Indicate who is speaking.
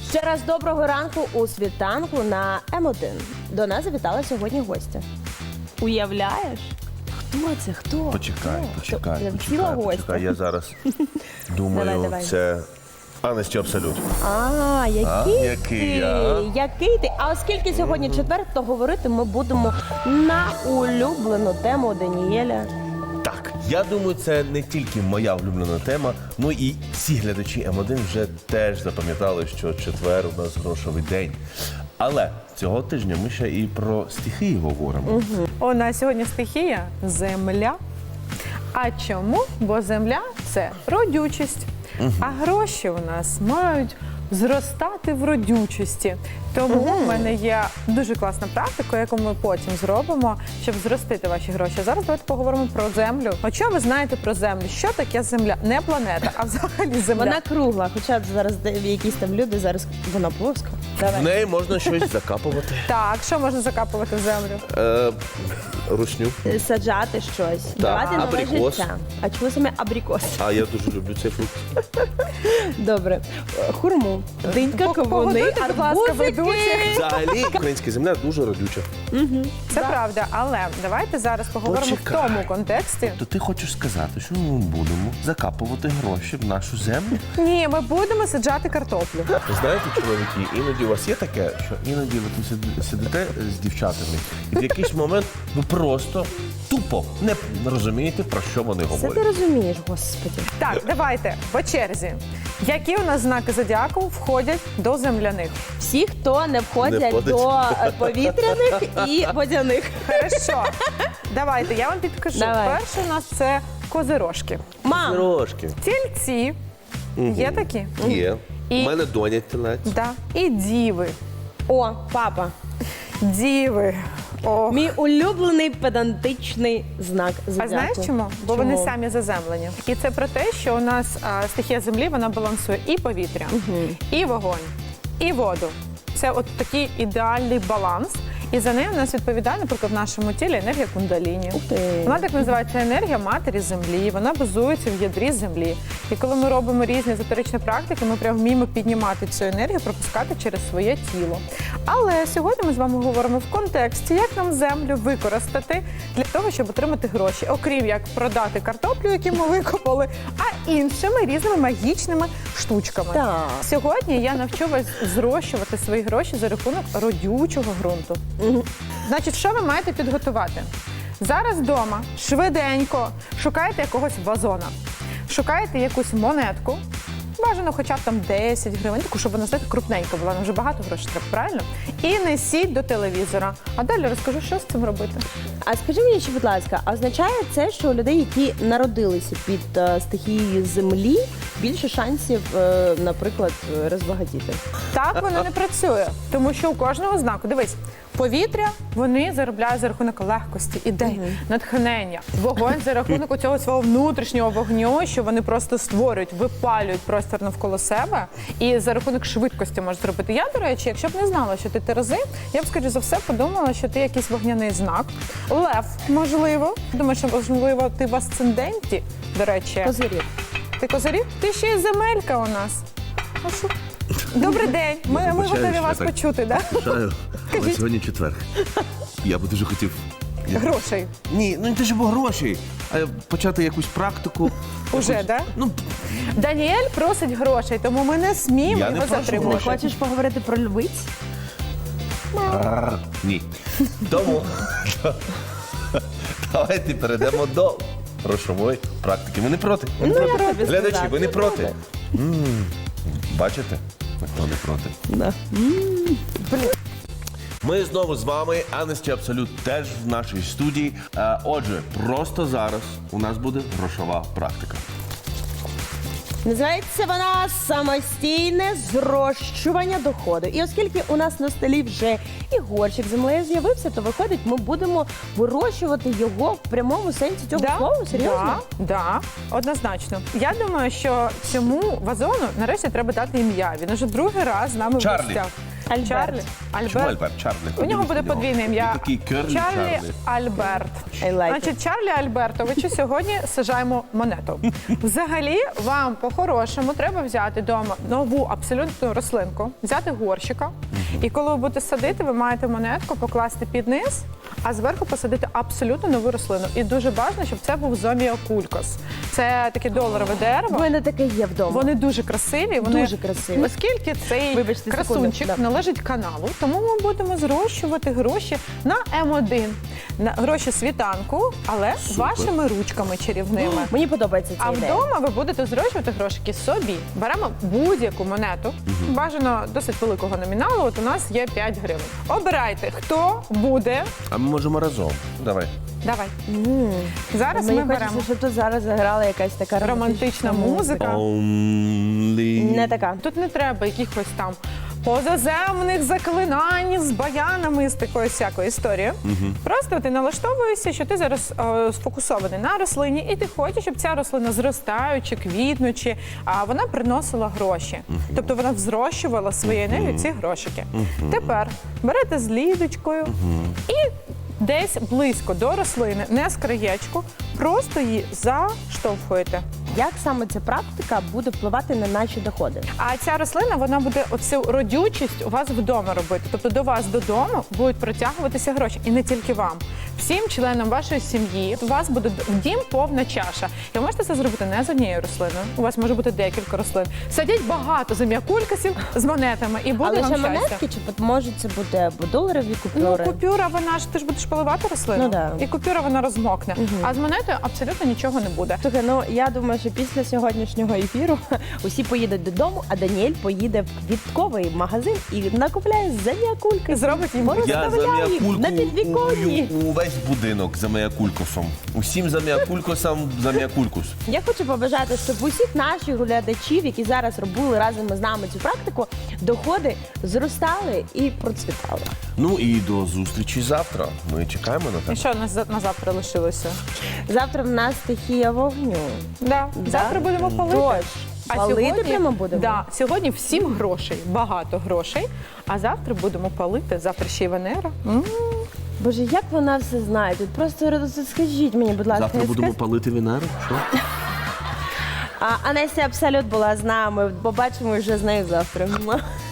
Speaker 1: Ще раз доброго ранку у світанку на М1. До нас завітала сьогодні гостя. Уявляєш? Хто це? Хто?
Speaker 2: Почекай.
Speaker 1: Ціла гостя.
Speaker 2: Я зараз думаю,
Speaker 1: Давай.
Speaker 2: це Анесті Абсолют.
Speaker 1: Який ти? А оскільки сьогодні четвер, то говорити ми будемо на улюблену тему Даніеля.
Speaker 2: Так, я думаю, це не тільки моя улюблена тема, ну і всі глядачі М1 вже теж запам'ятали, що четвер у нас грошовий день. Але цього тижня ми ще і про стихії говоримо.
Speaker 3: У нас сьогодні стихія – земля. А чому? Бо земля – це родючість. А гроші у нас мають зростати в родючості. Тому в мене є дуже класна практика, яку ми потім зробимо, щоб зростити ваші гроші. Зараз давайте поговоримо про землю. От що ви знаєте про землю? Що таке земля? Не планета, а взагалі земля.
Speaker 1: Вона кругла, хоча зараз якісь там люди, зараз вона плоска.
Speaker 2: В неї можна щось закапувати.
Speaker 3: Так, що можна закапувати в землю?
Speaker 2: Русню.
Speaker 1: Саджати щось, давати нове
Speaker 2: абрикос.
Speaker 1: життя. А чому саме абрикос?
Speaker 2: А я дуже люблю цей фрукт.
Speaker 1: Добре. Хурму, динька, кавуни,
Speaker 3: Погодуйте, будь ласка,
Speaker 1: арбузики.
Speaker 3: ведучих.
Speaker 2: Взагалі, українська земля дуже родюча.
Speaker 3: Це правда, але давайте зараз поговоримо
Speaker 2: Почекай.
Speaker 3: в тому контексті.
Speaker 2: То ти хочеш сказати, що ми будемо закапувати гроші в нашу землю?
Speaker 3: Ні, ми будемо саджати картоплю.
Speaker 2: Знаєте, чоловіки, іноді у вас є таке, що іноді ви тут сидите з дівчатами, і в якийсь момент ви просто тупо не розумієте, про що вони
Speaker 1: Це ти
Speaker 2: говорять.
Speaker 1: розумієш, господи.
Speaker 3: Так, давайте по черзі. Які у нас знаки зодіаку входять до земляних?
Speaker 1: Всі, хто не входять
Speaker 2: Не входить.
Speaker 1: до повітряних і водяних.
Speaker 3: Хорошо. Давайте, я вам підкажу.
Speaker 1: Давай.
Speaker 3: Перше у нас це козирожки.
Speaker 1: Мам,
Speaker 2: Трошки.
Speaker 3: Тільці. Є такі?
Speaker 2: Є.
Speaker 3: І-
Speaker 2: У мене доня телець.
Speaker 3: Да. І діви.
Speaker 1: о, папа.
Speaker 3: Діви. О.
Speaker 1: Мій улюблений педантичний знак зодіаку.
Speaker 3: А знаєш чому? Бо вони самі заземлені. І це про те, що у нас стихія землі, вона балансує і повітря, і вогонь, і воду. Це от такий ідеальний баланс. І за нею у нас відповідає, наприклад, в нашому тілі енергія кундаліні.
Speaker 1: Ух ти.
Speaker 3: Вона так називається енергія матері землі, вона базується в ядрі землі. І коли ми робимо різні езотеричні практики, ми прямо вміємо піднімати цю енергію, пропускати через своє тіло. Але сьогодні ми з вами говоримо в контексті, як нам землю використати для того, щоб отримати гроші. Окрім як продати картоплю, яку ми викопали, а іншими різними магічними штучками.
Speaker 1: Так.
Speaker 3: Сьогодні я навчу вас зрощувати свої гроші за рахунок родючого ґрунту. Значить, що ви маєте підготувати? Зараз вдома швиденько шукаєте якогось вазона, шукаєте якусь монетку, бажано хоча б там 10 гривень, таку, щоб вона, знаєте, крупненька була, нам вже багато грошей треба, правильно? І несіть до телевізора. А далі розкажу, що з цим робити.
Speaker 1: А скажи мені ще, будь ласка, а означає це, що у людей, які народилися під стихією землі, більше шансів, наприклад, розбагатіти?
Speaker 3: Так воно не працює, тому що у кожного знаку, дивись, повітря вони заробляють за рахунок легкості, ідей, натхнення. Вогонь за рахунок цього свого внутрішнього вогню, що вони просто створюють, випалюють простір навколо себе і за рахунок швидкості можуть зробити. Я, до речі, якщо б не знала, що ти Терези, я б, скоріше за все, подумала, що ти якийсь вогняний знак. Лев, можливо. Думаю, що, можливо, ти в асценденті, до речі.
Speaker 1: Козирів.
Speaker 3: Ти козирів? Ти ще й земелька у нас. А що? Добрий день. Ми готові вас почути, так?
Speaker 2: Бажаю, але сьогодні четвер. Я би дуже хотів...
Speaker 3: Грошей.
Speaker 2: Ні, ну не те, щоб грошей, а почати якусь практику.
Speaker 3: Уже, так?
Speaker 2: Ну,
Speaker 3: Даніель просить грошей, тому ми не сміємо
Speaker 2: Я не
Speaker 3: його
Speaker 2: прошу
Speaker 3: затримувати.
Speaker 2: грошей.
Speaker 1: Хочеш поговорити про львиць?
Speaker 2: ні. Тому давайте перейдемо до грошової практики. Ви не проти? Ви не проти?
Speaker 1: тобі
Speaker 2: Глядачі,
Speaker 1: сказати,
Speaker 2: ви не
Speaker 1: не
Speaker 2: проти? Бачите? Ніхто не проти.
Speaker 1: Да.
Speaker 2: Ми знову з вами, Анесті Абсолют теж в нашій студії. Отже, просто зараз у нас буде грошова практика.
Speaker 1: Називається вона самостійне зрощування доходу. І оскільки у нас на столі вже і горщик з землею з'явився, то виходить, ми будемо вирощувати його в прямому сенсі цього слова. Серйозно?
Speaker 3: Да, однозначно. Я думаю, що цьому вазону нарешті треба дати ім'я. Він уже другий раз з нами в
Speaker 2: Чарлі.
Speaker 3: гостях.
Speaker 1: Альберт.
Speaker 3: Чарлі?
Speaker 2: Чому Альберт? Чарлі.
Speaker 3: У нього буде
Speaker 2: Подивись на
Speaker 3: подвійне ім'я.
Speaker 2: Він такий керлі
Speaker 3: Чарлі Альберт.
Speaker 1: I like it.
Speaker 3: Значить, Чарлі Альбертовичу сьогодні сажаємо монету. Взагалі, вам по-хорошому треба взяти вдома нову абсолютну рослинку, взяти горщика. І коли ви будете садити, ви маєте монетку покласти під низ, а зверху посадити абсолютно нову рослину. І дуже важливо, щоб це був зоміакулькос. Це таке доларове
Speaker 1: У
Speaker 3: дерево.
Speaker 1: мене таке є вдома.
Speaker 3: Вони дуже красиві. Вони,
Speaker 1: Дуже красиві.
Speaker 3: Оскільки цей
Speaker 1: Вибачте,
Speaker 3: красунчик
Speaker 1: секунду, да.
Speaker 3: належить каналу, тому ми будемо зрощувати гроші на М1, на гроші світанку, але вашими ручками чарівними.
Speaker 1: Мені подобається ця
Speaker 3: А
Speaker 1: ідея.
Speaker 3: вдома ви будете зрощувати грошики собі. Беремо будь-яку монету, бажано досить великого номіналу. От у нас є 5 гривень. Обирайте, хто буде.
Speaker 2: А ми можемо разом. Давай.
Speaker 3: Давай. Зараз
Speaker 1: Мені
Speaker 3: ми
Speaker 1: хочеться,
Speaker 3: беремо
Speaker 1: щоб тут зараз заграла якась така
Speaker 3: романтична музика.
Speaker 2: Only...
Speaker 1: Не така.
Speaker 3: Тут не треба якихось там позаземних заклинань з баянами, з такою всякою історією. Просто ти налаштовуєшся, що ти зараз сфокусований на рослині, і ти хочеш, щоб ця рослина зростаючи, квітнучи, а вона приносила гроші. Тобто вона взрощувала своєю енергією ці грошики. Тепер берете з лідочкою і десь близько до рослини, не з краєчку, просто її заштовхуєте.
Speaker 1: Як саме ця практика буде впливати на наші доходи?
Speaker 3: А ця рослина, вона буде оцю родючість у вас вдома робити. Тобто до вас додому будуть протягуватися гроші. І не тільки вам. Всім членам вашої сім'ї у вас буде в дім повна чаша. І ви можете це зробити не з однією рослиною. У вас може бути декілька рослин. Садіть багато зоміакулькасів з монетами і буде
Speaker 1: Але
Speaker 3: вам
Speaker 1: ще
Speaker 3: щастя.
Speaker 1: монетки, чи може це буде або доларові
Speaker 3: Ну,
Speaker 1: купюри?
Speaker 3: купюра, вона ж ти ж будеш поливати рослину,
Speaker 1: Ну, да.
Speaker 3: і купюра вона розмокне. А з монетою абсолютно нічого не буде.
Speaker 1: Слухай, ну я думаю, що після сьогоднішнього ефіру усі поїдуть додому, а Даніель поїде в квітковий магазин і накупляє зоміакульки.
Speaker 3: Зробить їм
Speaker 2: Я
Speaker 1: Розставляє їх
Speaker 2: заміакульку
Speaker 1: на підвіконні.
Speaker 2: увесь будинок заміакулькосом. Усім заміакулькосам заміакулькус.
Speaker 1: Я хочу побажати, щоб усіх наших глядачів, які зараз робили разом з нами цю практику, доходи зростали і процвітали.
Speaker 2: Ну і до зустрічі завтра. Ми чекаємо на
Speaker 3: І
Speaker 2: тебе.
Speaker 3: що у нас на завтра лишилося?
Speaker 1: Завтра в нас стихія вогню.
Speaker 3: Да. Завтра будемо палити.
Speaker 1: Дощ. Палити прямо будемо?
Speaker 3: Да, сьогодні всім грошей, багато грошей, а завтра будемо палити. Завтра ще й Венера.
Speaker 1: Боже, як вона все знає? Тут просто скажіть мені, будь ласка.
Speaker 2: Завтра будемо палити Венеру? Що?
Speaker 1: А Анесія Абсолют була з нами. Побачимо вже з нею завтра.